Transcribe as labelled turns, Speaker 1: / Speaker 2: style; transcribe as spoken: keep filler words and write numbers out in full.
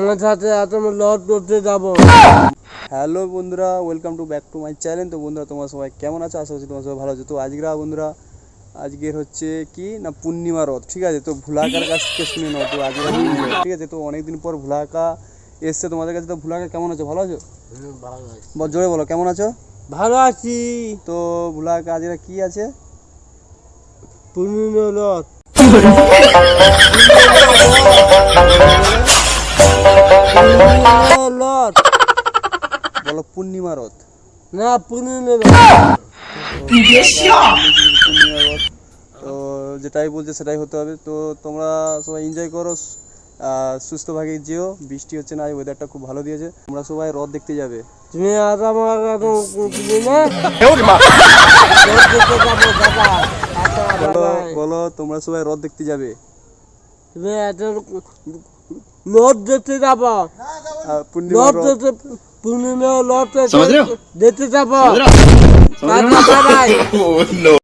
Speaker 1: আমার সাথে তুমি লট করতে যাবো।
Speaker 2: হ্যালো বন্ধুরা, welcome to back to my channel. তো বন্ধুরা, তোমরা সবাই কেমন আছো? আশা করছি তোমরা সবাই ভালো আছো। তো আজকেরা বন্ধুরা, আজকের হচ্ছে কি না পূর্ণিমা রথ, ঠিক আছে? তো ভুলাকার কাছ থেকে শুনে নাও। তো আজকে ঠিক আছে, তো অনেকদিন পর ভুলাকা এসছে তোমাদের কাছে। তো ভুলাকা কেমন আছো? ভালো আছো? বল, জোরে বলো, কেমন আছো?
Speaker 1: ভালো আছি।
Speaker 2: তো ভুলাকা আজকে কি আছে?
Speaker 1: পূর্ণিমা রথ। রথ
Speaker 2: বলো পূর্ণিমা রথ।
Speaker 1: না, পূর্ণিমা রথ।
Speaker 2: পূর্ণিমা রথ। তো যেটাই বলছে সেটাই হতে হবে। তো তোমরা সবাই এনজয় করো, সুস্থভাবে যেও। বৃষ্টি হচ্ছে না, ওয়েদারটা খুব ভালো দিয়েছে। তোমরা সবাই রথ দেখতে যাবে।
Speaker 1: তুমি আর আমার
Speaker 2: বলো বলো তোমরা সবাই রথ দেখতে যাবে।
Speaker 1: তুমি লট দেখতে যাবো।
Speaker 2: পূর্ণিমা রথ
Speaker 1: পূর্ণিমা লট দেখতে যাবো।